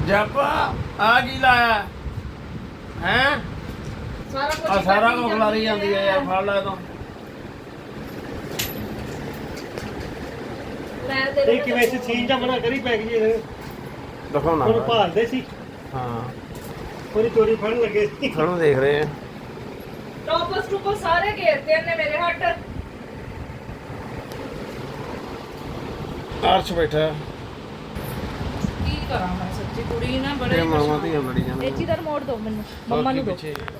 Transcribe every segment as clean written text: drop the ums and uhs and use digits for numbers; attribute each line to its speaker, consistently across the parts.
Speaker 1: ਜੱਪ ਆ ਕੀ ਲਾਇਆ ਹੈ? ਸਾਰਾ ਕੁਝ ਖਲਾਰੀ ਜਾਂਦੀ ਹੈ ਯਾਰ, ਫੜ ਲੈ ਤੂੰ।
Speaker 2: ਇਹ ਕਿਵੇਂ ਸੀ ਸੀਨ ਜਾਂ ਬਣਾ ਕਰੀ ਪੈ ਗਈ ਇਹ
Speaker 1: ਦਿਖਾਉਣਾ
Speaker 2: ਉਹਨੂੰ ਭਾਲਦੇ ਸੀ।
Speaker 1: ਹਾਂ
Speaker 2: ਉਹਦੀ ਚੋਰੀ ਫੜਨ ਲੱਗੇ ਸੀ।
Speaker 1: ਸਾਨੂੰ ਦੇਖ ਰਹੇ ਆ।
Speaker 3: ਟੋਪਸ ਟੂਪਸ ਸਾਰੇ ਘੇਰਤੇ ਨੇ ਮੇਰੇ ਹੱਟ।
Speaker 1: ਅਰਸ਼ ਬੈਠਾ
Speaker 3: ਕੀ ਕਰਾਂ ਮੈਂ ਸੱਚੀ, ਕੁੜੀ ਨਾ ਬੜੇ
Speaker 1: ਤੇ ਮਾਮਾ ਧੀਆਂ ਲੜੀ ਜਾਂਦੇ।
Speaker 3: ਇਹ ਚੀਜ਼ ਦਾ ਰਿਮੋਟ ਦਿਓ ਮੈਨੂੰ, ਮੰਮਾ ਨੂੰ ਦਿਓ।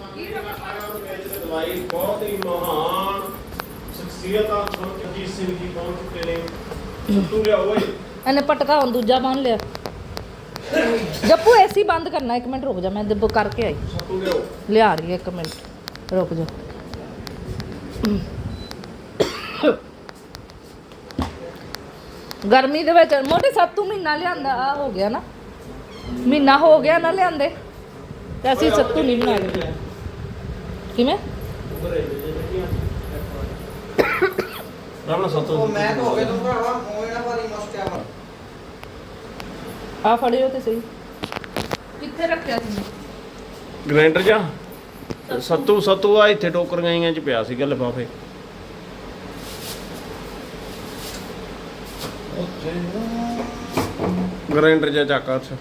Speaker 4: ਦਵਾਈ ਬਹੁਤ ਹੀ ਮਹਾਨ ਸ਼ਖਸੀਅਤ ਆ ਸਰਜੀਤ ਸਿੰਘ ਜੀ ਪਹੁੰਚ ਚੁੱਕੇ ਨੇ। ਸੱਤੂ ਲਿਆ ਓਏ।
Speaker 3: ਇਹਨੇ ਪਟਕਾ ਹੁਣ ਦੂਜਾ ਬੰਨ ਲਿਆ। ਜੱਪੂ ਏਸੀ ਬੰਦ ਕਰਨਾ, 1 ਮਿੰਟ ਰੁਕ ਜਾ, ਮੈਂ ਦੱਬ ਕਰਕੇ ਆਈ।
Speaker 4: ਸੱਤੂ ਲਿਆਓ।
Speaker 3: ਲਿਆ ਰਹੀ ਹੈ, 1 ਮਿੰਟ ਰੁਕ ਜਾ। ਗਰਮੀ ਦੇ ਵਿੱਚ ਮੋਟੇ ਸੱਤੂ ਮਹੀਨਾ ਲਿਆਂਦਾ ਆ ਹੋ ਗਿਆ ਨਾ, ਮਹੀਨਾ ਹੋ ਗਿਆ ਨਾ ਲਿਆਂਦੇ ਤੇ ਅਸੀਂ ਸੱਤੂ ਨਹੀਂ ਬਣਾ ਰਹੇ। ਕਿਵੇਂ
Speaker 1: ਰਾਮਾ ਸੱਤੂ
Speaker 5: ਮੈਂ ਤਾਂ ਹੋ ਗਿਆ ਤੂੰ ਭਰਾਵਾ ਹੋਏ ਨਾ ਭਾਰੀ ਮਸਤਿਆ ਵਾ।
Speaker 3: ਆ ਫੜਿਓ ਤੇ ਸਹੀ, ਕਿੱਥੇ ਰੱਖਿਆ ਸੀ?
Speaker 1: ਗ੍ਰਾਈਂਡਰ ਜਾ ਸੱਤੂ ਆ ਇੱਥੇ ਟੋਕਰੀਆਂ ਜਿਹੀਆਂ ਚ ਪਿਆ ਸੀਗਾ ਲਿਫਾਫੇ। ਗ੍ਰਾਈਂਡਰ ਜਾ ਚੱਕ ਅੱਛਾ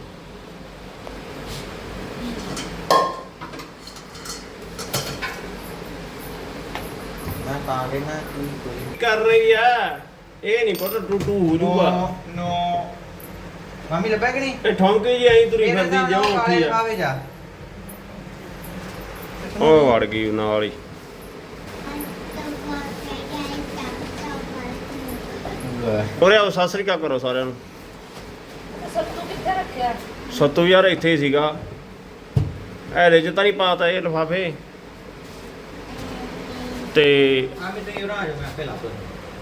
Speaker 5: ਮੈਂ ਤਾਂ ਕੇ ਨਾ ਕੋਈ
Speaker 1: ਕਰ ਰਹੀ ਆ, ਇਹ ਨਹੀਂ ਪਤਾ ਟੂਟੂ ਹੋ ਜੂਗਾ।
Speaker 5: ਨੋ ਮਾਮੀ ਲੱਭਿਆ ਕਿ ਨਹੀਂ?
Speaker 1: ਇਹ ਠੌਂਕੇ ਜੀ ਐਂ ਤੁਰੀ ਫਿਰਦੀ ਜਾਓ ਉੱਠੀ ਆ।
Speaker 5: ਆਵੇ ਜਾ
Speaker 1: ਉਹ ਵੜ ਗਈ ਨਾਲ ਹੀ। ਉਰੇ ਆਓ, ਸਤਿ ਸ੍ਰੀ ਅਕਾਲ ਕਰੋ ਸਾਰਿਆਂ ਨੂੰ।
Speaker 3: ਸੱਤੂ ਕਿੱਥੇ ਰੱਖਿਆ?
Speaker 1: ਸੱਤੂ ਯਾਰ ਇੱਥੇ ਹੀ ਸੀਗਾ, ਇਹਦੇ ਚ ਤਾਂ ਨਹੀਂ ਪਾਤਾ ਇਹ ਲਿਫਾਫੇ ਤੇ
Speaker 5: ਆ ਮੈਂ ਤੇ ਉਰਾ ਆ ਜਾ, ਮੈਂ ਆਪੇ ਲੱਭ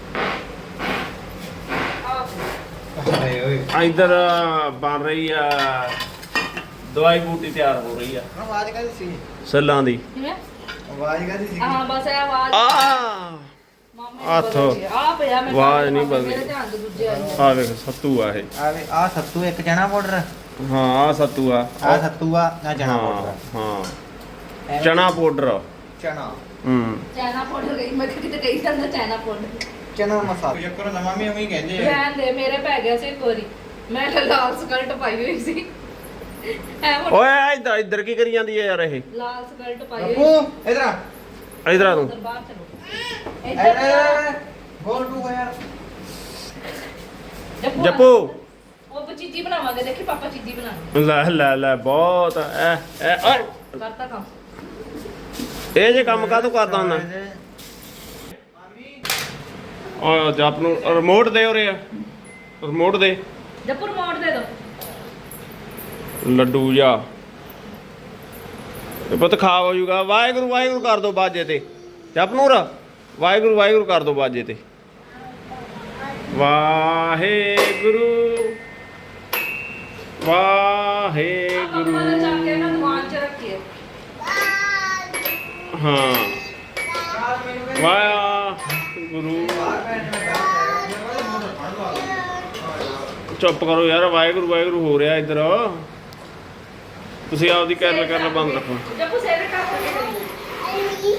Speaker 3: ਆ
Speaker 5: ਹਾਏ ਓਏ
Speaker 1: ਇੱਧਰ ਬਣ ਰਹੀ ਆ ਦਵਾਈ ਬੂਟੀ, ਤਿਆਰ ਹੋ ਰਹੀ ਆ
Speaker 5: ਆਵਾਜ਼ ਕਾਦੀ ਸੀ?
Speaker 1: ਸੱਲਾਂ ਦੀ।
Speaker 3: ਕਿਵੇਂ?
Speaker 5: ਆਵਾਜ਼ ਕਾਦੀ ਸੀ?
Speaker 3: ਹਾਂ ਬਸ ਇਹ ਆਵਾਜ਼
Speaker 1: ਆ ਹੱਥ
Speaker 3: ਆ ਪਿਆ ਮੈਂ
Speaker 1: ਆਵਾਜ਼ ਨਹੀਂ ਬਦਲੀ।
Speaker 3: ਮੇਰੇ ਧਿਆਨ ਦੇ ਦੂਜੇ ਆਈ
Speaker 1: ਆ ਵੇਖ ਸੱਤੂ ਆ ਇਹ।
Speaker 5: ਆਵੇ ਆ ਸੱਤੂ ਇੱਕ ਚਣਾ ਪਾਊਡਰ,
Speaker 1: ਹਾਂ ਆ ਸੱਤੂ ਆ।
Speaker 5: ਆ ਸੱਤੂ ਆ ਨਾ ਚਣਾ
Speaker 1: ਹਾਂ
Speaker 5: ਪਾਊਡਰ।
Speaker 1: ਹਾਂ ਚਨਾ ਪਾਊਡਰ।
Speaker 5: ਚਣਾ
Speaker 3: ਚਾਈਨਾ ਪਾਊਡਰ ਗਈ, ਮੈਂ ਕਿਤੇ ਕਹੀ ਜਾਂਦਾ ਚਾਈਨਾ ਪਾਊਡਰ।
Speaker 5: ਚਣਾ ਮਸਾਲਾ ਯਕਰ ਨਾ ਮਾਮੀ ਉਵੇਂ ਹੀ ਕਹਿੰਦੇ ਆ।
Speaker 3: ਰਹਿਣ ਦੇ, ਮੇਰੇ ਪੈ ਗਿਆ ਸੀ ਇੱਕ ਵਾਰੀ, ਮੈਂ ਤਾਂ ਲਾਲ ਸਕਰਟ ਪਾਈ ਹੋਈ ਸੀ।
Speaker 1: ਓਏ ਇੱਧਰ ਕੀ ਕਰੀ ਜਾਂਦੀ ਹੈ ਯਾਰ ਇਹ?
Speaker 3: ਲਾਲ ਸਕਰਟ ਪਾਈ ਹੋਈ
Speaker 5: ਬੱਬੂ ਇਧਰ ਆ
Speaker 1: ਇੱਧਰ ਆ ਤੂੰ।
Speaker 3: ਅੰਦਰ ਬਾਹਰ ਚਲੋ।
Speaker 5: ਗੋਲ ਟੂ ਹੋ ਯਾਰ।
Speaker 1: ਜੱਪੂ
Speaker 3: ਉਹ ਚੀਜ਼ੀ ਬਣਾਵਾਂਗੇ, ਦੇਖੀ ਪਾਪਾ ਚੀਜ਼ੀ ਬਣਾਉਣੀ।
Speaker 1: ਲੈ ਬਹੁਤ ਐ ਓਏ
Speaker 3: ਕਰਤਾ ਕੰਮ।
Speaker 1: ਇਹ ਜੇ ਕੰਮ ਕਾਹਤੋਂ ਕਰਦਾ ਹੁੰਦਾ? ਓ ਜੱਪ ਨੂੰ ਰਿਮੋਟ ਦੇ ਉਰੇ ਆ, ਰਿਮੋਟ ਦੇ।
Speaker 3: ਜੱਪੂ ਰਿਮੋਟ ਦੇ ਦੋ।
Speaker 1: ਲੱਡੂ ਜਾ ਇਹ ਪੁੱਤ ਖਾ ਹੋ ਜੂਗਾ। ਵਾਹਿਗੁਰੂ ਵਾਹਿਗੁਰੂ ਕਰ ਦੋ ਬਾਜੇ ਤੇ। ਜਪਨੂਰ ਵਾਹਿਗੁਰੂ ਵਾਹਿਗੁਰੂ ਕਰ ਦੋ ਬਾਜੇ ਤੇ। ਵਾਹਿਗੁਰੂ ਵਾਹਿਗੁਰੂ।
Speaker 3: ਚੱਕ ਕੇ ਨਾ ਦੁਕਾਨ 'ਚ ਰੱਖੀਏ।
Speaker 1: ਹਾਂ ਵਾਹਿਗੁਰੂ। ਚੁੱਪ ਕਰੋ ਯਾਰ, ਵਾਹਿਗੁਰੂ ਵਾਹਿਗੁਰੂ ਹੋ ਰਿਹਾ ਇੱਧਰ। ਤੁਸੀਂ ਆਪਦੀ ਕੈਰਲ ਬੰਦ ਰੱਖੋ।
Speaker 3: ਜੱਪੂ ਸਿਰ ਟੱਪ ਕੇ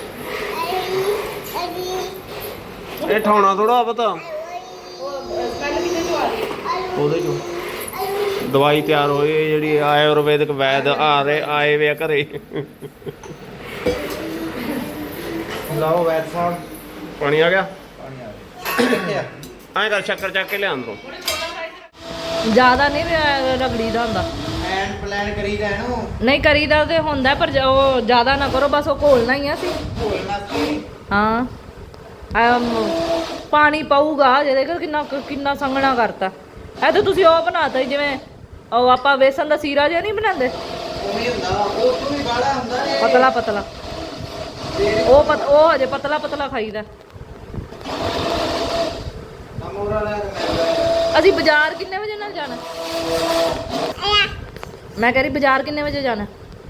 Speaker 1: ਇਹ ਠਾਉਣਾ ਥੋੜਾ ਪਤਾ
Speaker 3: ਉਹ ਸਮੈਲ ਕਿਤੇ ਤੋਂ ਆ ਰਹੀ ਹੈ।
Speaker 1: ਉਹਦੇ ਚੋਂ ਦਵਾਈ ਤਿਆਰ ਹੋਈ ਜਿਹੜੀ ਆਯੁਰਵੈਦਿਕ ਵੈਦ ਆਏ ਵੇ ਆ ਘਰੇ।
Speaker 5: ਲਾਓ ਵੈਦ ਸਾਹਿਬ
Speaker 1: ਪਾਣੀ ਆ ਗਿਆ।
Speaker 5: ਪਾਣੀ ਆ ਗਿਆ।
Speaker 1: ਐਂ ਕਰ ਸ਼ੱਕਰ ਚੱਕ ਕੇ ਲਿਆ ਅੰਦਰੋਂ।
Speaker 3: ਜ਼ਿਆਦਾ ਨਹੀਂ ਰਗੜੀ ਦਾ ਹੁੰਦਾ।
Speaker 5: ਐਂਡ ਪਲਾਨ ਕਰੀਦਾ ਇਹਨੂੰ
Speaker 3: ਨਹੀਂ ਕਰੀਦਾ ਤੇ ਹੁੰਦਾ, ਪਰ ਉਹ ਜ਼ਿਆਦਾ ਨਾ ਕਰੋ, ਬਸ ਉਹ ਘੋਲਣਾ ਹੀ ਆ ਸੀ।
Speaker 5: ਘੋਲਣਾ ਸੀ।
Speaker 3: ਹਾਂ ਪਾਣੀ ਪਾਊਗਾ ਜਿਹਦੇ ਕਰ ਕਿੰਨਾ ਸੰਘਣਾ ਕਰਤਾ। ਇਹ ਤਾਂ ਤੁਸੀਂ ਉਹ ਬਣਾਤਾ ਜਿਵੇਂ ਉਹ ਆਪਾਂ ਵੇਸਣ ਦਾ ਸੀਰਾ ਜਿਹਾ ਨਹੀਂ ਬਣਾਉਂਦੇ,
Speaker 5: ਉਵੇਂ ਹੁੰਦਾ ਉਹ ਤੋਂ ਵੀ ਗਾੜਾ ਹੁੰਦਾ ਨੇ।
Speaker 3: ਪਤਲਾ ਪਤਲਾ। ਉਹ ਹਜੇ ਪਤਲਾ ਪਤਲਾ ਖਾਈਦਾ।
Speaker 5: ਅਮੋਰਾ ਲੈ
Speaker 3: ਅਸੀਂ ਬਾਜ਼ਾਰ ਕਿੰਨੇ ਵਜੇ ਨਾਲ ਜਾਣਾ? ਮੈਂ ਕਹਿ ਰਹੀ ਬਾਜ਼ਾਰ ਕਿੰਨੇ ਵਜੇ ਜਾਣਾ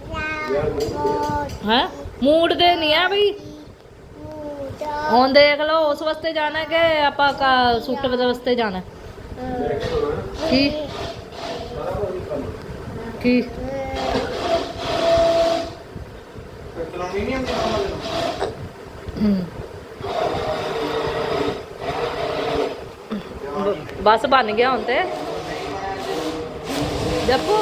Speaker 3: ਹੈ? ਮੂਡ ਦੇ ਨਹੀਂ ਆ ਬਈ, ਹੁਣ ਦੇਖ ਲਓ ਉਸ ਵਾਸਤੇ ਜਾਣਾ ਕਿ ਆਪਾਂ ਸੂਟ ਵਾਸਤੇ ਜਾਣਾ। ਕੀ ਕੀ
Speaker 5: ਚਲਾਉਣੀ ਨਹੀਂ ਆਉਂਦੀ ਮਾਮਾ ਨੂੰ
Speaker 3: ਬਸ ਬਣ ਗਿਆ ਹੁਣ ਤੇ ਜੱਪੂ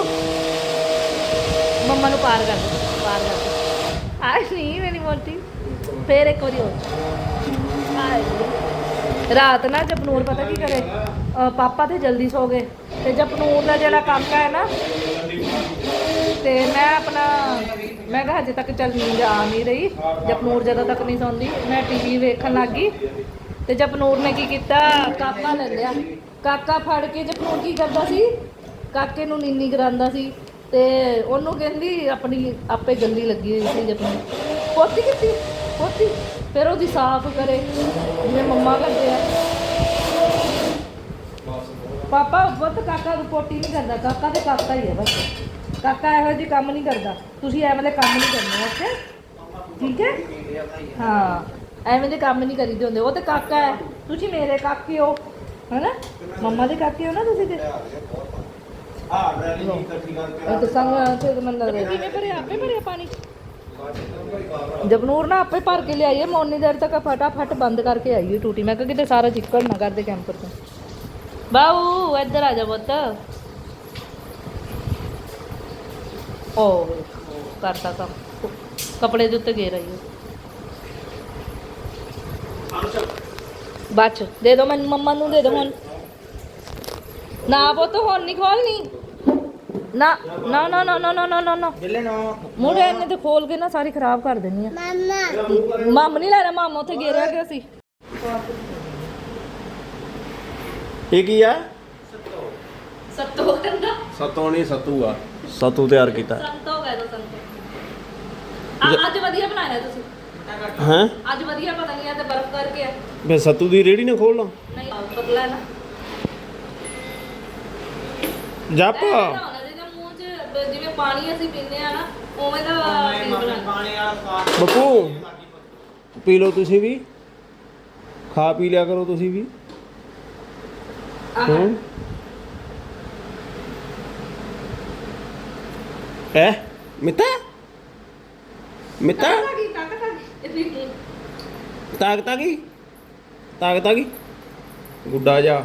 Speaker 3: ਮੰਮਾ ਨੂੰ ਪਾਰ ਕਰ ਦੇ ਆਏ ਨਹੀਂ ਮੇਰੀ ਮੋਟੀ ਫੇਰ ਇੱਕ ਵਾਰੀ ਹੋਰ ਆਏ ਰਾਤ ਨਾ ਜਪਨੂਰ ਪਤਾ ਕੀ ਕਰੇ ਪਾਪਾ ਤੇ ਜਲਦੀ ਸੋ ਗਏ ਤੇ ਜਪਨੂਰ ਦਾ ਜਿਹੜਾ ਕਾਕਾ ਹੈ ਨਾ ਤੇ ਮੈਂ ਕਿਹਾ ਹਜੇ ਤੱਕ ਚੱਲ ਨੀਂਦ ਆ ਨਹੀਂ ਰਹੀ ਜਪਨੂਰ ਜਦੋਂ ਤੱਕ ਨਹੀਂ ਸੌਂਦੀ ਮੈਂ ਟੀਵੀ ਵੇਖਣ ਲੱਗ ਗਈ ਤੇ ਜਪਨੂਰ ਨੇ ਕੀ ਕੀਤਾ ਕਾਕਾ ਲੈ ਲਿਆ ਕਾਕਾ ਫੜ ਕੇ ਜਪਨੂਰ ਕੀ ਕਰਦਾ ਸੀ ਕਾਕੇ ਨੂੰ ਨੀਨੀ ਕਰਾਉਂਦਾ ਸੀ ਤੇ ਉਹਨੂੰ ਕਹਿੰਦੀ ਆਪਣੀ ਆਪੇ ਗੰਦੀ ਲੱਗੀ ਹੋਈ ਸੀ ਜਪਨੂਰ ਪੋਤੀ ਕੀਤੀ ਪੋਤੀ ਫਿਰ ਉਹਦੀ ਸਾਫ਼ ਕਰੇ ਜਿਵੇਂ ਮੰਮਾ ਕਰਦੇ ਆ ਪਾਪਾ ਬਹੁਤ ਕਾਕਾ ਨੂੰ ਪੋਟੀ ਨਹੀਂ ਕਰਦਾ ਕਾਕਾ ਤੇ ਕਾਕਾ ਹੀ ਹੈ ਬਸ ਕਾਕਾ ਇਹੋ ਜਿਹੇ ਕੰਮ ਨਹੀਂ ਕਰਦਾ ਤੁਸੀਂ ਐਵੇਂ ਦੇ ਕੰਮ ਨਹੀਂ ਕਰਨੇ ਓਕੇ ਠੀਕ ਹੈ ਹਾਂ ਐਵੇਂ ਦੇ ਕੰਮ ਨਹੀਂ ਕਰੀਦੇ ਹੁੰਦੇ ਉਹ ਤੇ ਕਾਕਾ ਹੈ ਤੁਸੀਂ ਮੇਰੇ ਕਾਕੇ ਹੋ ਹੈਨਾ ਮੰਮਾ ਦੇ ਕਾਕੇ ਹੋ ਨਾ ਤੁਸੀਂ ਤੇ ਇਹ ਤਾਂ ਸੰਗ ਤੇ ਮੈਨੂੰ ਲੱਗਦਾ ਕਿਵੇਂ ਭਰਿਆ ਆਪੇ ਭਰਿਆ ਪਾਣੀ ਜਪਨੂਰ ਨਾ ਆਪੇ ਭਰ ਕੇ ਲਿਆਈਏ ਮੈਂ ਉਨੀ ਦੇਰ ਤੱਕ ਫਟਾਫਟ ਬੰਦ ਕਰਕੇ ਆਈਏ ਟੂਟੀ ਮੈਂ ਕਿਹਾ ਕਿਤੇ ਸਾਰਾ ਚਿੱਕੜ ਨਾ ਕਰਦੇ ਕੈਂਪਰ ਤੋਂ ਬਾਊ ਇੱਧਰ ਆ ਜਾ ਪੁੱਤ ਓ ਕਰਤਾ ਕੰਮ ਕੱਪੜੇ ਦੇ ਉੱਤੇ ਗੇਰ ਆਈ ਬਾਚ ਦੇ ਦੋ ਮੈਨੂੰ ਮੰਮਾ ਨੂੰ ਦੇ ਦੋ ਹੁਣ ਨਾ ਪੁੱਤ ਹੁਣ ਨਹੀਂ ਖੋਲਣੀ ਨਾ ਨਾ ਨਾ ਨਾ ਨਾ ਨਾ ਨਾ ਨਾ
Speaker 5: ਬਿੱਲੇ ਨਾ
Speaker 3: ਮੁੰਡੇ ਇਹਨੇ ਤੇ ਖੋਲ ਕੇ ਨਾ ਸਾਰੀ ਖਰਾਬ ਕਰ ਦੇਣੀ ਆ ਮਾਮਾ ਨਹੀਂ ਲੈਣਾ ਮਾਮਾ ਉੱਥੇ ਗੇਰਿਆ ਗਿਆ ਸੀ
Speaker 1: ਇਹ ਕੀ ਆ
Speaker 3: ਸੱਤੋ ਕਹਿੰਦਾ
Speaker 1: ਸਤੋਂ ਨਹੀਂ ਸਤੂ ਆ ਸਤੂ ਤਿਆਰ ਕੀਤਾ
Speaker 3: ਸੰਤੋ ਕਹਿ ਦੋ ਸੰਤੋ ਅੱਜ ਵਧੀਆ ਬਣਾਇਆ ਤੁਸੀਂ
Speaker 1: ਹੈ
Speaker 3: ਅੱਜ ਵਧੀਆ ਪਤਾ ਨਹੀਂ ਆ ਤੇ ਬਰਫ਼ ਕਰਕੇ ਆ
Speaker 1: ਮੈਂ ਸਤੂ ਦੀ ਰੇੜੀ ਨਾ ਖੋਲ ਲਾਂ
Speaker 3: ਨਹੀਂ ਪਤਲਾ ਹੈ ਨਾ
Speaker 1: ਜੱਪ
Speaker 3: ਜਿਹਦੇ ਮੂੰਹ 'ਚ ਜਿਵੇਂ ਪਾਣੀ ਅਸੀਂ ਪੀਂਦੇ ਆ ਨਾ ਉਵੇਂ ਦਾ feel ਬਣਾਉਣਾ।
Speaker 5: ਪਾਣੀ ਵਾਲਾ ਸਵਾਦ
Speaker 1: ਬੱਪੂ ਪੀ ਲਓ ਤੁਸੀਂ ਵੀ ਖਾ ਪੀ ਲਿਆ ਕਰੋ ਤੁਸੀਂ ਵੀ ਹੂੰ ਐ ਮਿੱਤਾ ਮਿੱਤਾ ਤਾਕਤ ਆ ਗਈ ਗੁੱਡਾ ਜਾ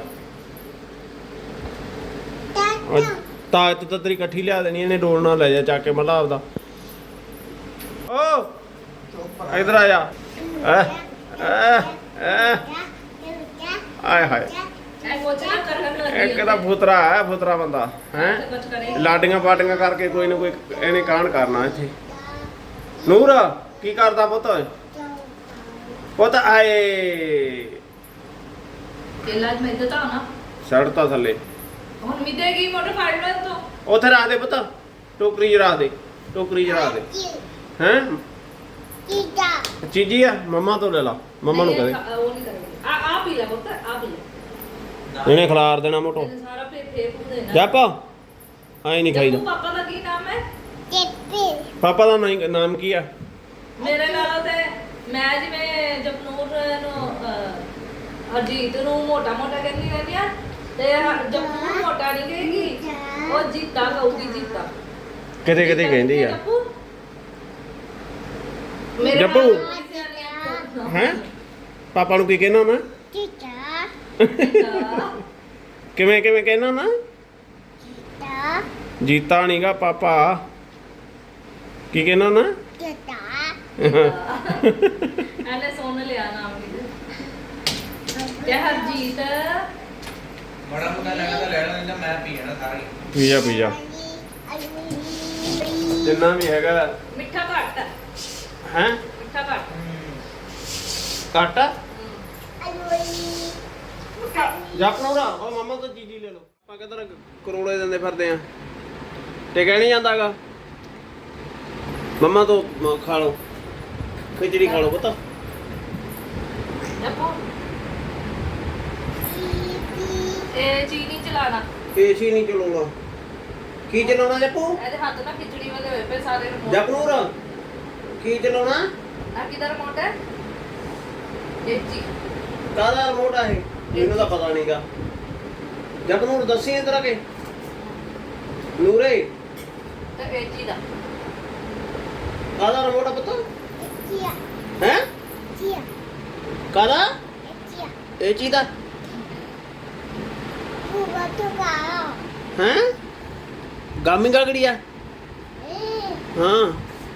Speaker 1: ਤਾਕਤ ਤਾਂ ਤੇਰੀ ਇਕੱਠੀ ਲਿਆ ਦੇਣੀ ਇਹਨੇ ਡੋਲ ਨਾਲ ਲੈ ਜਾ ਚੱਕ ਕੇ ਮੱਲਾ ਆਪਦਾ ਓ ਇਧਰ ਆ ਜਾ ਆਏ ਹਾਏ ਇੱਕ ਤਾਂ ਫੁਤਰਾ ਹੈ ਫੁਤਰਾ ਬੰਦਾ ਹੈ ਲਾਡੀਆਂ ਪਾਟੀਆਂ ਕਰਕੇ ਕੋਈ ਨਾ ਕੋਈ ਇਹਨੇ ਕਾਂਡ ਕਰਨਾ ਇੱਥੇ ਨੂਰ ਕੀ ਕਰਦਾ ਪੁੱਤ ਆਏ
Speaker 3: ਤੇਲਾ ਮੈਂ ਦਿੱਤਾ ਨਾ
Speaker 1: ਸੜਤਾ ਥੱਲੇ
Speaker 3: ਹੁਣ ਮਿਦੇਗੀ ਮੋਟਰ ਫੜ ਲੈ ਤੂੰ
Speaker 1: ਉੱਥੇ ਰੱਖ ਦੇ ਪੁੱਤ ਟੋਕਰੀ 'ਚ ਰੱਖ ਦੇ ਹੈਂ ਚੀਜੀ ਆ ਮੰਮਾ ਤੋਂ ਲੈ ਲਾ ਮੰਮਾ ਨੂੰ ਕਹਦੇ
Speaker 3: ਉਹ ਨਹੀਂ ਕਰੇਗੀ ਆ ਪੀ ਲੈ ਪੁੱਤ ਆ ਪੀ ਲੈ
Speaker 1: ਇਹਨੇ ਖਿਲਾਰ ਦੇਣਾ ਮੋਟੋ
Speaker 3: ਇਹਨੇ ਸਾਰਾ ਫੇਕ ਦੇਣਾ
Speaker 1: ਜੱਪ ਆਏ ਨਹੀਂ ਖਾਈਦਾ
Speaker 3: ਪਾਪਾ ਦਾ ਕੀ ਨਾਮ ਹੈ
Speaker 1: ਪਾਪਾ ਦਾ ਨਾਮ ਕੀ ਆ
Speaker 3: ਮੇਰੇ ਨਾਲ ਤੇ ਮੈਂ ਜਿਵੇਂ ਜਪਨੂਰ ਨੂੰ ਹਰਜੀਤ ਨੂੰ ਮੋਟਾ ਕਹਿੰਦੀ ਰਹਿੰਦੀ ਆ ਤੇ ਜਪਨੂਰ ਮੋਟਾ ਨਹੀਂ ਕਹੇਗੀ ਉਹ ਜੀਤਾ ਕਹੂਗੀ ਜੀਤਾ
Speaker 1: ਕਿਤੇ ਕਿਤੇ ਕਹਿੰਦੀ ਆ
Speaker 3: ਮੇਰੇ
Speaker 1: ਜੱਪੂ।
Speaker 3: ਨਾਲ
Speaker 1: ਹੈ ਪਾਪਾ ਨੂੰ ਕੀ ਕਹਿਣਾ ਨਾ ਕਿਵੇਂ ਕਹਿਣਾ ਨਾ ਜੀਤਾ ਨਹੀਂਗਾ ਪਾਪਾ ਕੀ ਕਹਿਣਾ ਨਾ
Speaker 3: ਇਹਨੇ ਸੁਣ ਲਿਆ ਨਾਮ ਤੇ ਹਰਜੀਤ
Speaker 5: ਬੜਾ ਮੁੰਡਾ ਲੈਣਾ ਤਾਂ ਲੈ ਲੈਣਾ ਮੈਂ ਪੀ ਜਾਣਾ ਸਾਰੀ
Speaker 1: ਪੀਜਾ ਜਿੰਨਾ ਵੀ ਹੈਗਾ
Speaker 3: ਮਿੱਠਾ ਘੱਟ ਹੈ
Speaker 1: ਹੈ
Speaker 3: ਮਿੱਠਾ ਘੱਟ
Speaker 1: ਘੱਟ ਜਪਨੂਰਾ ਉਹ ਮਾਮਾ ਤੋਂ ਚੀਜ਼ੀ ਲੈ ਲਓ ਆਪਾਂ ਕਿਧਰ ਕਰੋੜੇ ਦਿੰਦੇ ਫਿਰਦੇ ਆ ਟਿਕਿਆ ਨਹੀਂ ਜਾਂਦਾਗਾ ਮੰਮਾ ਤੋਂ ਖਾ ਲਓ ਖਿਚੜੀ ਖਾ ਲਓ ਪਤਾ
Speaker 3: ਜੱਪੂ ਇਹ ਚੀਨੀ ਚਲਾਣਾ
Speaker 1: ਏਸੀ ਨਹੀਂ ਚਲਾਉਣਾ ਕੀ ਚਲਾਉਣਾ ਜੱਪੂ
Speaker 3: ਇਹਦੇ ਹੱਥ ਨਾਲ ਖਿਚੜੀ ਵਾਲੇ ਹੋਏ ਪਏ ਸਾਰੇ ਰਿਮੋਟ
Speaker 1: ਜਪਨੂਰ ਕੀ ਚਲਾਉਣਾ
Speaker 3: ਆ ਕਿਹਦਾ ਰਿਮੋਟ ਹੈ ਇਹ ਜੀ
Speaker 1: ਕਾਹਦਾ ਰਿਮੋਟ ਆ ਇਹ ਮੈਨੂੰ ਤਾਂ ਪਤਾ ਨਹੀਂਗਾ ਜਪਨੂਰ ਦੱਸੀ ਇਧਰ ਆ ਕੇ ਨੂਰੇ
Speaker 3: ਏਜੀ ਦਾ
Speaker 1: ਕਾਹਦਾ ਰਿਮੋਟ ਆ ਪੁੱਤ ਹੈ ਕਾਹਦਾ ਇਹ ਚੀਜ਼ ਦਾ ਹੈ ਗਾਮੀ ਗੜੀ ਆ ਹਾਂ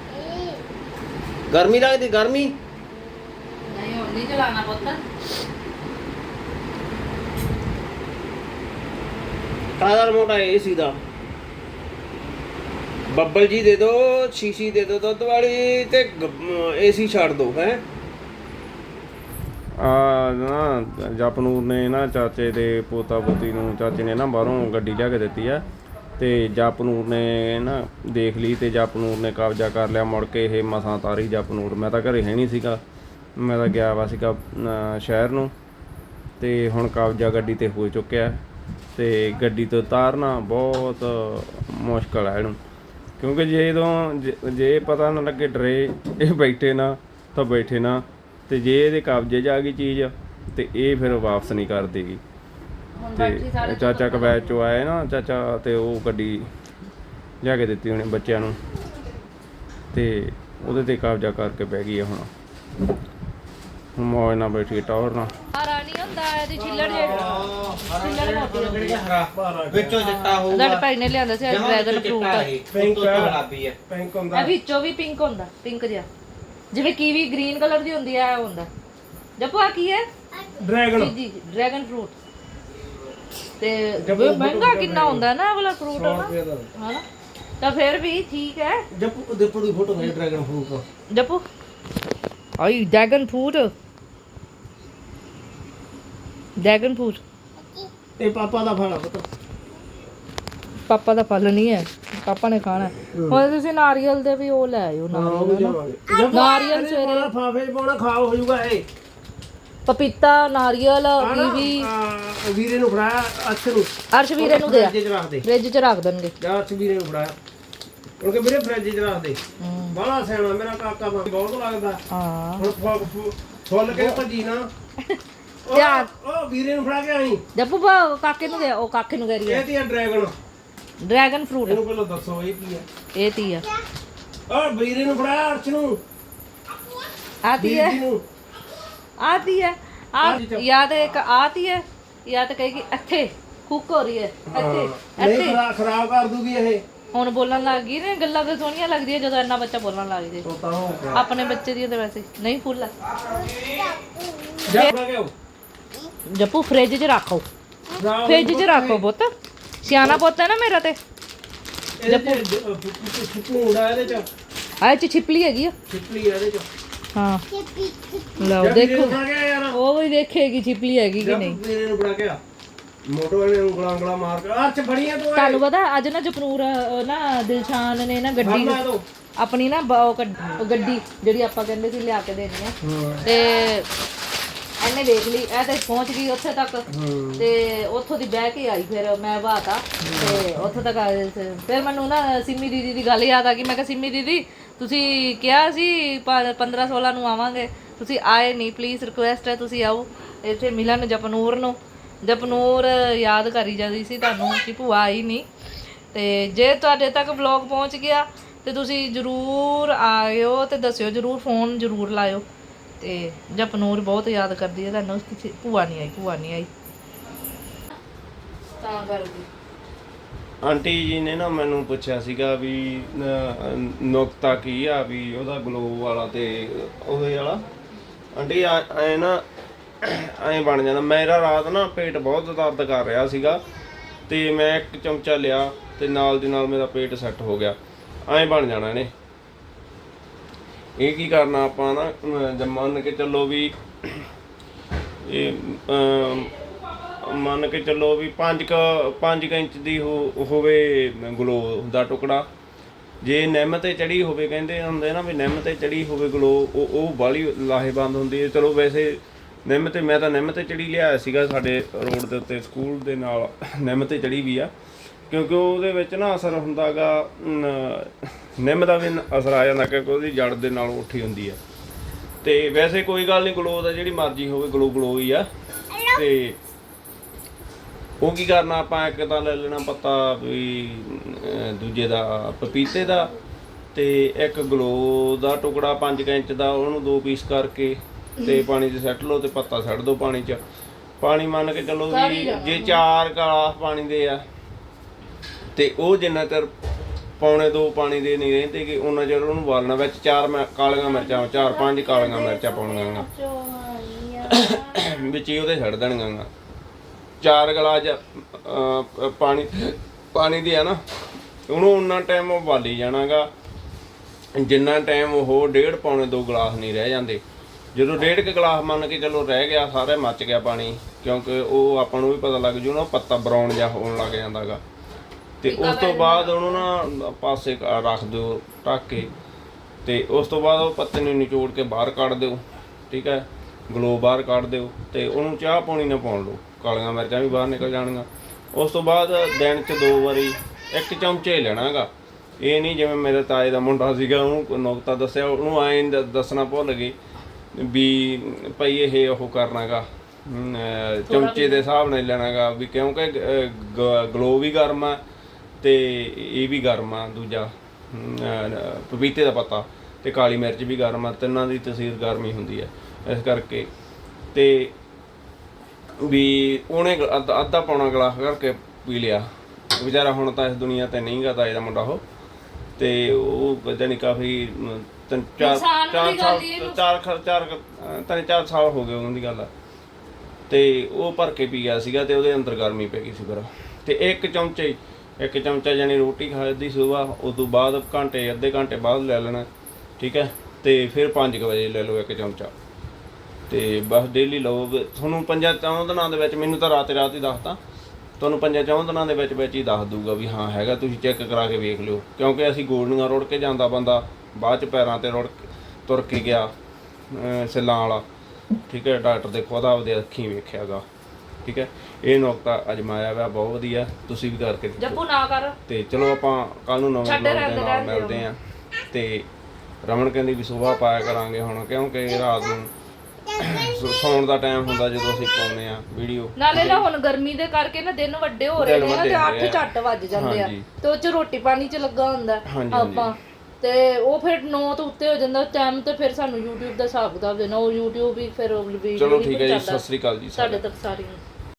Speaker 1: ਗਰਮੀ ਲੱਗਦੀ ਗਰਮੀ
Speaker 3: ਨਹੀਂ ਹੁਣ ਨਹੀਂ ਚਲਾਣਾ ਪੁੱਤ
Speaker 1: ਕਾਹਦਾ ਰਿਮੋਟ ਆ ਏਸੀ ਦਾ ਬੱਬਲ ਜੀ ਦੇ ਦੋ ਸ਼ੀਸ਼ੀ ਦੇ ਦੋ ਦੁੱਧ ਵਾਲੀ ਤੇ ਏਸੀ ਛੱਡ ਦੋ ਹੈ ਨਾ ਜਪਨੂਰ ਨੇ ਨਾ ਚਾਚੇ ਦੇ ਪੋਤਾ ਪੋਤੀ ਨੂੰ ਚਾਚੇ ਨੇ ਨਾ ਬਾਹਰੋਂ ਗੱਡੀ ਲਿਆ ਕੇ ਦਿੱਤੀ ਆ ਤੇ ਜਪਨੂਰ ਨੇ ਨਾ ਦੇਖ ਲਈ ਤੇ ਜਪਨੂਰ ਨੇ ਕਬਜ਼ਾ ਕਰ ਲਿਆ ਮੁੜ ਕੇ ਇਹ ਮਸਾਂ ਤਾਰੀ ਜਪਨੂਰ ਮੈਂ ਤਾਂ ਘਰੇ ਹੈ ਨਹੀਂ ਸੀਗਾ ਮੈਂ ਤਾਂ ਗਿਆ ਵਾ ਸੀਗਾ ਸ਼ਹਿਰ ਨੂੰ ਤੇ ਹੁਣ ਕਬਜ਼ਾ ਗੱਡੀ ਤੇ ਹੋ ਚੁੱਕਿਆ ਤੇ ਗੱਡੀ ਤੋਂ ਉਤਾਰਨਾ ਬਹੁਤ ਮੁਸ਼ਕਲ ਹੈ ਇਹਨੂੰ ਕਿਉਂਕਿ ਜੇ ਪਤਾ ਨਾ ਲੱਗੇ ਡਰੇ ਇਹ ਬੈਠੇ ਨਾ ਤਾਂ ਬੈਠੇ ਨਾ ਤੇ ਜੇ ਇਹਦੇ ਕਬਜ਼ੇ 'ਚ ਆ ਗਈ ਚੀਜ਼ ਤੇ ਇਹ ਫਿਰ ਵਾਪਸ ਨਹੀਂ ਕਰ ਦੇਗੀ ਤੇ ਚਾਚਾ ਕਵੈਤ ਚੋਂ ਆਏ ਨਾ ਚਾਚਾ ਤੇ ਉਹ ਗੱਡੀ ਲਿਆ ਕੇ ਦਿੱਤੀ ਉਹਨੇ ਬੱਚਿਆਂ ਨੂੰ ਤੇ ਉਹਦੇ ਤੇ ਕਬਜ਼ਾ ਕਰਕੇ ਬਹਿ ਗਈ ਹੁਣ ਮੌਜ ਨਾਲ ਬੈਠੀ ਟੌਰ ਨਾਲ
Speaker 3: ਹਰਾ ਨਹੀਂ ਹੁੰਦਾ ਇਹਦੀ ਛਿੱਲੜ
Speaker 5: ਵਿੱਚੋਂ ਜੱਟਾ ਹੋਊਗਾ
Speaker 3: ਭਾਈ ਨੇ ਲਿਆਂਦਾ ਸੀ ਡਰੈਗਨ ਫਰੂਟ
Speaker 5: ਪਿੰਕ ਗੁਲਾਬੀ ਹੈ
Speaker 1: ਪਿੰਕ
Speaker 3: ਇਹ ਵਿੱਚੋਂ ਵੀ ਪਿੰਕ ਹੁੰਦਾ ਪਿੰਕ ਜਿਹਾ ਜਿਵੇਂ ਕੀਵੀ ਗ੍ਰੀਨ ਕਲਰ ਦੀ ਹੁੰਦੀ ਹੈ ਹੁੰਦਾ ਜਪੂ ਆ ਕੀ ਹੈ
Speaker 1: ਡਰੈਗਨ
Speaker 3: ਜੀ ਡਰੈਗਨ ਫਰੂਟ ਤੇ ਮਹਿੰਗਾ ਕਿੰਨਾ ਹੁੰਦਾ ਨਾ ਇਹ ਵਾਲਾ ਫਰੂਟ ਹਨਾ ਤਾਂ ਫਿਰ ਵੀ ਠੀਕ ਹੈ
Speaker 1: ਜੱਪੂ ਦੇਪੂ ਦੀ ਫੋਟੋ ਹੈ ਡਰੈਗਨ ਫਰੂਟ
Speaker 3: ਜਪੂ ਆਈ ਡਰੈਗਨ ਫਰੂਟ
Speaker 1: ਇਹ ਪਾਪਾ ਦਾ ਫਲ ਆ ਪੁੱਤ
Speaker 3: ਪਾਪਾ ਦਾ ਫਲ ਨਹੀਂ ਹੈ ਪਾਪਾ ਨੇ ਖਾਣਾ ਹੁਣ ਤੁਸੀਂ ਨਾਰੀਅਲ ਦੇ ਵੀ ਉਹ ਲੈ ਆਇਓ ਨਾਰੀਅਲ ਸਵੇਰੇ
Speaker 1: ਫਾਫੇ ਪਾਉਣਾ ਖਾ ਹੋ ਜਾਊਗਾ ਇਹ
Speaker 3: ਪਪੀਤਾ ਨਾਰੀਅਲ ਕੀਵੀ
Speaker 1: ਵੀਰੇ ਨੂੰ ਫੜਾਇਆ ਅਰਸ਼ ਨੂੰ
Speaker 3: ਅਰਸ਼ ਵੀਰੇ ਨੂੰ ਦਿਆ
Speaker 1: ਫ੍ਰਿਜ 'ਚ ਰੱਖ ਦੇ
Speaker 3: ਫ੍ਰਿਜ 'ਚ ਰੱਖ ਦੇਣਗੇ
Speaker 1: ਜਾਂ ਅਰਸ਼ ਵੀਰੇ ਨੂੰ ਫੜਾਇਆ ਕਿਉਂਕਿ ਵੀਰੇ ਫ੍ਰਿਜ 'ਚ ਰੱਖ ਦੇ ਬਾਹਲਾ ਸਿਆਣਾ ਮੇਰਾ ਕਾਕਾ ਬਹੁਤ ਲੱਗਦਾ
Speaker 3: ਹਾਂ
Speaker 1: ਹੁਣ ਫੁੱਲ ਕੇ ਭੱਜੀ ਨਾ
Speaker 3: ਧਿਆਨ
Speaker 1: ਉਹ ਵੀਰੇ ਨੂੰ ਫੜਾ ਕੇ ਆਈ
Speaker 3: ਜੱਪੂ ਕਾਕੇ ਨੂੰ ਦੇ ਉਹ ਕਾਕੇ ਨੂੰ ਕਹਿ ਰਹੀ ਹੈ
Speaker 1: ਇਹ ਕੀ ਆ
Speaker 3: ਡਰੈਗਨ ਫਰੂਟ
Speaker 1: ਇਹਨੂੰ ਪਹਿਲਾਂ ਦੱਸੋ ਇਹ ਕੀ ਆ
Speaker 3: ਇਹ ਤੀ ਆ
Speaker 1: ਉਹ ਵੀਰੇ ਨੂੰ ਫੜਾਇਆ ਅਰਸ਼ ਨੂੰ
Speaker 3: ਆਤੀ ਹੈ
Speaker 1: ਵੀਰ ਜੀ ਨੂੰ
Speaker 3: ਆਤੀ ਹੈ ਯਾਦ ਇੱਕ ਆਤੀ ਹੈ ਜਾਂ ਤਾਂ ਕਹੇਗੀ ਇੱਥੇ ਕੁੱਕ ਹੋ ਰਹੀ ਹੈ ਇੱਥੇ
Speaker 1: ਨਹੀਂ ਖਰਾਬ ਕਰ ਦੂਗੀ ਇਹ
Speaker 3: ਹੁਣ ਬੋਲਣ ਲੱਗ ਗਈ ਨੇ ਗੱਲਾਂ ਤੇ ਸੋਹਣੀਆਂ ਲੱਗਦੀਆਂ ਜਦੋਂ ਇੰਨਾ ਬੱਚਾ ਬੋਲਣ ਲੱਗ ਜੇ
Speaker 1: ਤੋਤਾ ਹੋ ਗਿਆ
Speaker 3: ਆਪਣੇ ਬੱਚੇ ਦੀ ਤਾਂ ਵੈਸੇ ਨਹੀਂ ਫੁੱਲ ਆ
Speaker 1: ਜਾ ਫੜਾ ਕੇ ਆਓ
Speaker 3: ਜੱਪੂ ਫ੍ਰਿਜ 'ਚ ਰੱਖੋ ਫ੍ਰਿਜ 'ਚ ਰੱਖੋ ਪੁੱਤ ਸਿਆਣਾ ਪੁੱਤ ਹੈ ਨਾ ਮੇਰਾ ਤੇ
Speaker 1: ਫੂੜਾ ਇਹਦੇ ਚ
Speaker 3: ਆਹ ਚ ਛਿਪਲੀ ਹੈਗੀ ਆ
Speaker 1: ਛਿਪਲੀ ਇਹਦੇ ਚ
Speaker 3: ਹਾਂ ਲਓ ਦੇਖੋ
Speaker 1: ਫੜਾ ਕੇ ਆ ਯਾਰ
Speaker 3: ਉਹ ਵੀ ਦੇਖੇਗੀ ਛਿਪਲੀ ਹੈਗੀ ਕਿ ਨਹੀਂ
Speaker 1: ਵੀਰੇ ਨੂੰ ਫੜਾ ਕੇ ਆ ਮੋਟੋ ਨੇ ਉਂਗਲਾਂ ਮਾਰ ਕੇ ਅਰਚ ਫੜੀਆਂ ਤੂੰ
Speaker 3: ਤੁਹਾਨੂੰ ਪਤਾ ਅੱਜ ਨਾ ਜਪਨੂਰ ਨਾ ਦਿਲਸ਼ਾਨ ਨੇ ਨਾ ਗੱਡੀ ਆਪਣੀ ਨਾ ਗੱਡੀ ਜਿਹੜੀ ਆਪਾਂ ਕਹਿੰਦੇ ਸੀ ਲਿਆ ਕੇ ਦੇਣੀ ਆ ਤੇ ਇਹਨੇ ਦੇਖ ਲਈ ਇਹ ਤੇ ਪਹੁੰਚ ਗਈ ਉੱਥੇ ਤੱਕ ਤੇ ਉੱਥੋਂ ਦੀ ਬਹਿ ਕੇ ਆਈ ਫਿਰ ਮੈਂ ਬਾਤਾ ਤੇ ਉੱਥੋਂ ਤੱਕ ਫਿਰ ਮੈਨੂੰ ਨਾ ਸਿੰਮੀ ਦੀਦੀ ਦੀ ਗੱਲ ਯਾਦ ਆ ਗਈ ਮੈਂ ਕਿਹਾ ਸਿੰਮੀ ਦੀਦੀ ਤੁਸੀਂ ਕਿਹਾ ਸੀ 15-16 ਨੂੰ ਆਵਾਂਗੇ ਤੁਸੀਂ ਆਏ ਨਹੀਂ ਪਲੀਜ਼ ਰਿਕੁਐਸਟ ਹੈ ਤੁਸੀਂ ਆਓ ਇੱਥੇ ਮਿਲਣ ਜਪਨੂਰ ਯਾਦ ਕਰੀ ਜਾਂਦੀ ਸੀ ਤੁਹਾਨੂੰ ਕਿ ਭੂਆ ਆਈ ਨਹੀਂ ਤੇ ਜੇ ਤੁਹਾਡੇ ਤੱਕ ਵਲੌਗ ਪਹੁੰਚ ਗਿਆ ਤੇ ਤੁਸੀਂ ਜ਼ਰੂਰ ਆਇਓ ਤੇ ਦੱਸਿਓ ਜ਼ਰੂਰ ਫੋਨ ਜ਼ਰੂਰ ਲਾਇਓ ਤੇ ਜਪਨੂਰ ਬਹੁਤ ਯਾਦ ਕਰਦੀ ਹੈ ਤੁਹਾਨੂੰ ਕਿਸੇ ਭੂਆ ਨਹੀਂ ਆਈ ਤਾਂ ਕਰਦੀ
Speaker 1: ਆਂਟੀ ਜੀ ਨੇ ਨਾ ਮੈਨੂੰ ਪੁੱਛਿਆ ਸੀਗਾ ਵੀ ਨੁਕਤਾ ਕੀ ਆ ਵੀ ਉਹਦਾ ਗਲੋ ਵਾਲਾ ਤੇ ਉਹਦੇ ਵਾਲਾ ਆਂਟੀ ਐ ਨਾ ਐਂ ਬਣ ਜਾਂਦਾ ਮੇਰਾ ਰਾਤ ਨਾ ਪੇਟ ਬਹੁਤ ਦਰਦ ਕਰ ਰਿਹਾ ਸੀਗਾ ਤੇ ਮੈਂ ਇੱਕ ਚਮਚਾ ਲਿਆ ਤੇ ਨਾਲ ਦੀ ਨਾਲ ਮੇਰਾ ਪੇਟ ਸੈੱਟ ਹੋ ਗਿਆ ਐਂ ਬਣ ਜਾਣਾ ਇਹਨੇ ਇਹ ਕੀ ਕਰਨਾ ਆਪਾਂ ਨਾ ਮੰਨ ਕੇ ਚੱਲੋ ਵੀ ਇਹ ਮੰਨ ਕੇ ਚੱਲੋ ਵੀ 5 ਇੰਚ ਦੀ ਹੋਵੇ ਗਲੋ ਦਾ ਟੁਕੜਾ ਜੇ ਨਿੰਮ ਤੇ ਚੜੀ ਹੋਵੇ ਕਹਿੰਦੇ ਹੁੰਦੇ ਨਾ ਵੀ ਨਿੰਮ ਤੇ ਚੜੀ ਹੋਵੇ ਗਲੋ ਉਹ ਬਾਹਲੀ ਲਾਹੇਵੰਦ ਹੁੰਦੀ ਹੈ ਚਲੋ ਵੈਸੇ ਨਿੰਮ ਤੇ ਮੈਂ ਤਾਂ ਨਿੰਮ ਤੇ ਚੜੀ ਲਿਆਇਆ ਸੀਗਾ ਸਾਡੇ ਰੋਡ ਦੇ ਉੱਤੇ ਸਕੂਲ ਦੇ ਨਾਲ ਨਿੰਮ ਤੇ ਚੜੀ ਵੀ ਆ ਕਿਉਂਕਿ ਉਹਦੇ ਵਿੱਚ ਨਾ ਅਸਰ ਹੁੰਦਾਗਾ ਨਿੰਮ ਦਾ ਵੀ ਅਸਰ ਆ ਜਾਂਦਾ ਕਿਉਂਕਿ ਉਹਦੀ ਜੜ ਦੇ ਨਾਲ ਉੱਠੀ ਹੁੰਦੀ ਆ ਤੇ ਵੈਸੇ ਕੋਈ ਗੱਲ ਨਹੀਂ ਗਲੋ ਦਾ ਜਿਹੜੀ ਮਰਜ਼ੀ ਹੋਵੇ ਗਲੋ ਹੀ ਆ ਤੇ ਉਹ ਕੀ ਕਰਨਾ ਆਪਾਂ, ਇੱਕ ਤਾਂ ਲੈ ਲੈਣਾ ਪੱਤਾ ਵੀ ਦੂਜੇ ਦਾ ਪਪੀਤੇ ਦਾ, ਤੇ ਇੱਕ ਗਲੋ ਦਾ ਟੁਕੜਾ 5 ਇੰਚ ਦਾ, ਉਹਨੂੰ 2 ਪੀਸ ਕਰਕੇ ਤੇ ਪਾਣੀ 'ਚ ਸੱਟ ਲਓ ਤੇ ਪੱਤਾ ਛੱਡ ਦਿਓ ਪਾਣੀ 'ਚ। ਪਾਣੀ ਮੰਨ ਕੇ ਚੱਲੋ ਵੀ ਜੇ 4 ਗਲਾਸ ਪਾਣੀ ਦੇ ਆ ਤੇ ਉਹ ਜਿੰਨਾ ਚਿਰ ਪੌਣੇ 2 ਪਾਣੀ ਦੇ ਨਹੀਂ ਰਹਿੰਦੇ ਕਿ ਉਹਨਾਂ ਚਿਰ ਉਹਨੂੰ ਉਬਾਲਣਾ। ਵਿੱਚ 4 ਕਾਲੀਆਂ ਮਿਰਚਾਂ, 4-5 ਕਾਲੀਆਂ ਮਿਰਚਾਂ ਪਾਉਣੀਆਂ ਵਿੱਚ ਹੀ ਉਹਦੇ ਛੱਡ ਦੇਣੀਆਂ। 4 ਗਲਾਸ ਪਾਣੀ ਦੇ ਆ ਨਾ, ਉਹਨੂੰ ਉਨਾ ਟਾਈਮ ਉਬਾਲੀ ਜਾਣਾਗਾ ਜਿੰਨਾ ਟਾਈਮ ਉਹ 1.5 ਪੌਣੇ 2 ਗਲਾਸ ਨਹੀਂ ਰਹਿ ਜਾਂਦੇ। ਜਦੋਂ 1.5 ਗਲਾਸ ਮੰਨ ਕੇ ਚਲੋ ਰਹਿ ਗਿਆ, ਸਾਰੇ ਮੱਚ ਗਿਆ ਪਾਣੀ, ਕਿਉਂਕਿ ਉਹ ਆਪਾਂ ਨੂੰ ਵੀ ਪਤਾ ਲੱਗ ਜੂ ਨਾ ਪੱਤਾ ਬਰਾਉਨ ਜਿਹਾ ਹੋਣ ਲੱਗ ਜਾਂਦਾ ਗਾ। ਤੇ ਉਸ ਤੋਂ ਬਾਅਦ ਉਹਨੂੰ ਨਾ ਪਾਸੇ ਰੱਖ ਦਿਓ ਢੱਕ ਕੇ, ਤੇ ਉਸ ਤੋਂ ਬਾਅਦ ਉਹ ਪੱਤੇ ਨੂੰ ਨਿਚੋੜ ਕੇ ਬਾਹਰ ਕੱਢ ਦਿਓ, ਠੀਕ ਹੈ, ਗਲੋ ਬਾਹਰ ਕੱਢ ਦਿਓ ਤੇ ਉਹਨੂੰ ਚਾਹ ਪਾਣੀ ਨਾ ਪਾਉਣ ਲਓ, ਕਾਲੀਆਂ ਮਿਰਚਾਂ ਵੀ ਬਾਹਰ ਨਿਕਲ ਜਾਣਗੀਆਂ। ਉਸ ਤੋਂ ਬਾਅਦ ਦਿਨ 'ਚ 2 ਵਾਰੀ 1 ਚਮਚੇ ਲੈਣਾ ਗਾ। ਇਹ ਨਹੀਂ ਜਿਵੇਂ ਮੇਰੇ ਤਾਏ ਦਾ ਮੁੰਡਾ ਸੀਗਾ, ਉਹਨੂੰ ਨੁਕਤਾ ਦੱਸਿਆ, ਉਹਨੂੰ ਐਂ ਦੱਸਣਾ ਭੁੱਲ ਗਏ ਵੀ ਭਾਈ ਇਹ ਉਹ ਕਰਨਾ ਗਾ ਚਮਚੇ ਦੇ ਹਿਸਾਬ ਨਾਲ ਲੈਣਾ ਗਾ, ਵੀ ਕਿਉਂਕਿ ਗਲੋ ਵੀ ਗਰਮ ਆ ਤੇ ਇਹ ਵੀ ਗਰਮ ਆ, ਦੂਜਾ ਪਪੀਤੇ ਦਾ ਪੱਤਾ ਤੇ ਕਾਲੀ ਮਿਰਚ ਵੀ ਗਰਮ ਆ, ਤਿੰਨਾਂ ਦੀ ਤਸੀਰ ਗਰਮੀ ਹੁੰਦੀ ਹੈ। ਇਸ ਕਰਕੇ ਤੇ ਵੀ ਉਹਨੇ ਅੱਧਾ ਪੌਣਾ ਗਲਾਸ ਕਰਕੇ ਪੀ ਲਿਆ। ਵਿਚਾਰਾ ਹੁਣ ਤਾਂ ਇਸ ਦੁਨੀਆ ਤੇ ਨਹੀਂ ਗਾ ਤਾਏ ਦਾ ਮੁੰਡਾ ਉਹ, ਤੇ ਉਹ ਜਾਨੀ ਕਾਫੀ 3-4 ਸਾਲ ਹੋ ਗਏ ਉਹਨਾਂ ਦੀ ਗੱਲ ਆ, ਤੇ ਉਹ ਭਰ ਕੇ ਪੀ ਗਿਆ ਸੀਗਾ ਤੇ ਉਹਦੇ ਅੰਦਰ ਗਰਮੀ ਪੈ ਗਈ ਸੀ ਫਿਰ। ਤੇ 1 ਚਮਚਾ ਜਾਨੀ ਰੋਟੀ ਖਾਦੀ ਸੁਬਾਹ, ਉਸ ਤੋਂ ਬਾਅਦ ਅੱਧੇ ਘੰਟੇ ਬਾਅਦ ਲੈ ਲੈਣਾ, ਠੀਕ ਹੈ, ਤੇ ਫਿਰ 5 ਵਜੇ ਲੈ ਲਓ 1 ਚਮਚਾ, ਤੇ ਬਸ ਡੇਲੀ ਲਓ। ਤੁਹਾਨੂੰ 5-4 ਦਿਨਾਂ ਦੇ ਵਿੱਚ, ਮੈਨੂੰ ਤਾਂ ਰਾਤ ਹੀ ਦੱਸਤਾ, ਤੁਹਾਨੂੰ 5-4 ਦਿਨਾਂ ਦੇ ਵਿੱਚ ਹੀ ਦੱਸ ਦੂਗਾ ਵੀ ਹਾਂ ਹੈਗਾ, ਤੁਸੀਂ ਚੈੱਕ ਕਰਾ ਕੇ ਵੇਖ ਲਿਓ। ਕਿਉਂਕਿ ਅਸੀਂ ਗੋਲੀਆਂ ਰੁੜ ਕੇ ਜਾਂਦਾ ਬੰਦਾ, ਬਾਅਦ 'ਚ ਪੈਰਾਂ 'ਤੇ ਤੁਰ ਕੇ ਗਿਆ ਸਿੱਲਾਂ ਵਾਲਾ, ਠੀਕ ਹੈ, ਡਾਕਟਰ ਦੇ ਖੁਦ ਆਪਦੇ ਅੱਖੀਂ ਵੇਖਿਆ ਗਾ, ਠੀਕ ਹੈ। ਇਹ ਨੁਕਤਾ ਅਜਮਾਇਆ ਵਾ, ਬਹੁਤ ਵਧੀਆ, ਤੁਸੀਂ ਵੀ ਕਰਕੇ
Speaker 3: ਜੱਪੂ ਨਾ ਕਰ।
Speaker 1: ਤੇ ਚਲੋ ਆਪਾਂ ਕੱਲ ਨੂੰ ਨਵੇਂ ਵਲੌਗ ਦੇ ਨਾਲ ਮਿਲਦੇ ਹਾਂ। ਤੇ ਰਮਨ ਕਹਿੰਦੀ ਵੀ ਸੁਬਾਹ ਪਾਇਆ ਕਰਾਂਗੇ ਹੁਣ, ਕਿਉਂਕਿ ਰਾਤ ਨੂੰ ਸੌਣ ਦਾ ਟਾਈਮ ਹੁੰਦਾ ਜਦੋਂ ਅਸੀਂ ਪਾਉਂਦੇ ਆ ਵੀਡੀਓ।
Speaker 3: ਨਾਲੇ ਨਾ ਹੁਣ ਗਰਮੀ ਦੇ ਕਰਕੇ ਨਾ ਦਿਨ ਵੱਡੇ ਹੋ ਰਹੇ ਨੇ ਨਾ, ਤੇ 8 ਝੱਟ ਵੱਜ ਜਾਂਦੇ ਆ, ਤੇ ਉਹ 'ਚ ਰੋਟੀ ਪਾਣੀ 'ਚ ਲੱਗਾ ਹੁੰਦਾ ਆਪਾਂ, ਤੇ ਉਹ ਫਿਰ 9 ਤੋਂ ਉੱਤੇ ਹੋ ਜਾਂਦਾ ਟਾਈਮ, ਤੇ ਫਿਰ ਸਾਨੂੰ YouTube ਦਾ ਹਿਸਾਬ ਕਿਤਾਬ ਦੇਣਾ, ਉਹ YouTube ਵੀ ਫਿਰ ਵੀਡੀਓ
Speaker 1: ਚਲੋ ਠੀਕ ਹੈ ਜੀ, ਸਤਿ ਸ੍ਰੀ ਅਕਾਲ ਜੀ
Speaker 3: ਸਾਡੇ ਤੱਕ ਸਾਰੀ।